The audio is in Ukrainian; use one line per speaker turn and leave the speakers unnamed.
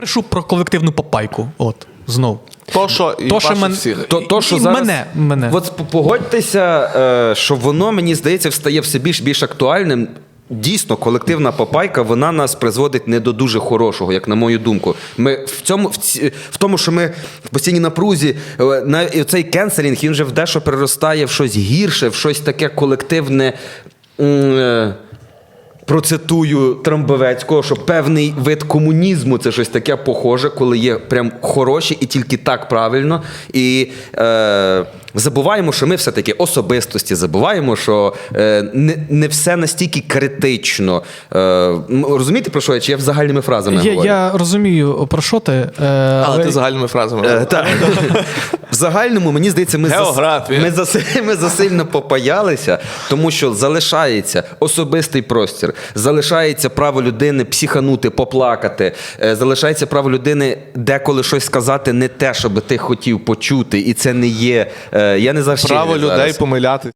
Пишу про колективну попайку. От, знов.
То, що і всіх.
То, що
І
зараз,
мене.
От погодьтеся, що воно, мені здається, стає все більш актуальним. Дійсно, колективна попайка, вона нас призводить не до дуже хорошого, як на мою думку. Ми в тому, що ми в постійній напрузі, цей кенселінг, він вже в дещо переростає в щось гірше, в щось таке колективне, процитую Трамбовецького, що певний вид комунізму – це щось таке похоже, коли є прям хороші і тільки так правильно. І забуваємо, що ми все-таки особистості, забуваємо, що не все настільки критично. Розумієте, про що я? Чи я загальними фразами говорю?
Я розумію, про що ти.
Але ти загальними фразами.
Так. В загальному, мені здається, ми засильно попаялися, тому що залишається особистий простір, залишається право людини психанути, поплакати, залишається право людини деколи щось сказати не те, що би ти хотів почути, і це не є... Я не завжди
Право людей помиляти.